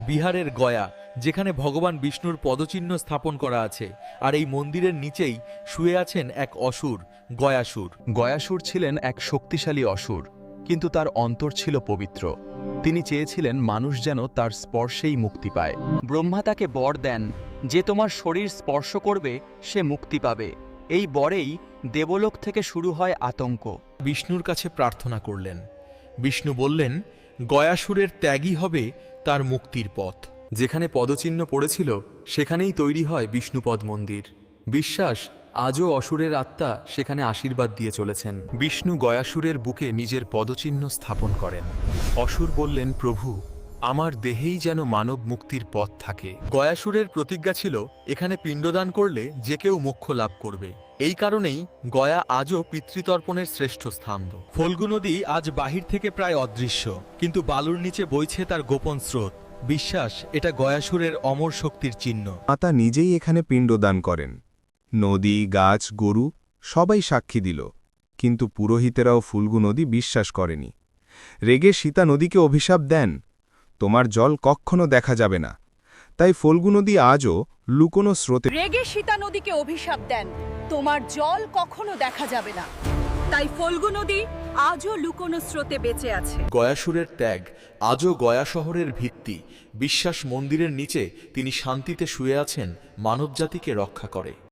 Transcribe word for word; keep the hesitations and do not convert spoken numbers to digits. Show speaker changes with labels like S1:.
S1: বিহারের গয়া, যেখানে ভগবান বিষ্ণুর পদচিহ্ন স্থাপন করা আছে, আর এই মন্দিরের নিচেই শুয়ে আছেন এক অসুর, গয়াসুর।
S2: গয়াসুর ছিলেন এক শক্তিশালী অসুর, কিন্তু তার অন্তর ছিল পবিত্র। তিনি চেয়েছিলেন মানুষ যেন তার স্পর্শেই মুক্তি পায়।
S3: ব্রহ্মা তাকে বর দেন যে তোমার শরীর স্পর্শ করবে সে মুক্তি পাবে। এই বরেই দেবলোক থেকে শুরু হয় আতঙ্ক।
S1: বিষ্ণুর কাছে প্রার্থনা করলেন। বিষ্ণু বললেন, গয়াসুরের ত্যাগই হবে তার মুক্তির পথ। যেখানে পদচিহ্ন পড়েছিল সেখানেই তৈরি হয় বিষ্ণুপদ মন্দির। বিশ্বাস, আজও অসুরের আত্মা সেখানে আশীর্বাদ দিয়ে চলেছেন।
S2: বিষ্ণু গয়াসুরের বুকে নিজের পদচিহ্ন স্থাপন করেন। অসুর বললেন, প্রভু, আমার দেহেই যেন মানব মুক্তির পথ থাকে।
S1: গয়াসুরের প্রতিজ্ঞা ছিল, এখানে পিণ্ডদান করলে যে কেউ মোক্ষ লাভ করবে। এই কারণেই গয়া আজও পিতৃতর্পণের শ্রেষ্ঠ স্থান। ফল্গু নদী আজ বাহির থেকে প্রায় অদৃশ্য, কিন্তু বালুর নিচে বইছে তার গোপন স্রোত। বিশ্বাস, এটা গয়াসুরের অমর শক্তির চিহ্ন।
S4: মাতা নিজেই এখানে পিণ্ডদান করেন। নদী, গাছ, গরু সবাই সাক্ষী দিল, কিন্তু পুরোহিতেরাও ফুল্গু নদী বিশ্বাস করেনি। রেগে সীতা নদীকে অভিশাপ দেন, তোমার জল কখনো দেখা যাবে না। তাই ফল্গু নদী আজও লুকোনো স্রোতে
S5: রেগে সীতা নদীকে অভিশাপ দেন, তোমার জল কখনো দেখা যাবে না। তাই ফল্গু নদী আজও লুকোনো স্রোতে বেঁচে আছে।
S1: গয়াসুরের ত্যাগ আজও গয়া শহরের ভিত্তি। বিশ্বাস, মন্দিরের নিচে তিনি শান্তিতে শুয়ে আছেন, মানবজাতিকে রক্ষা করে।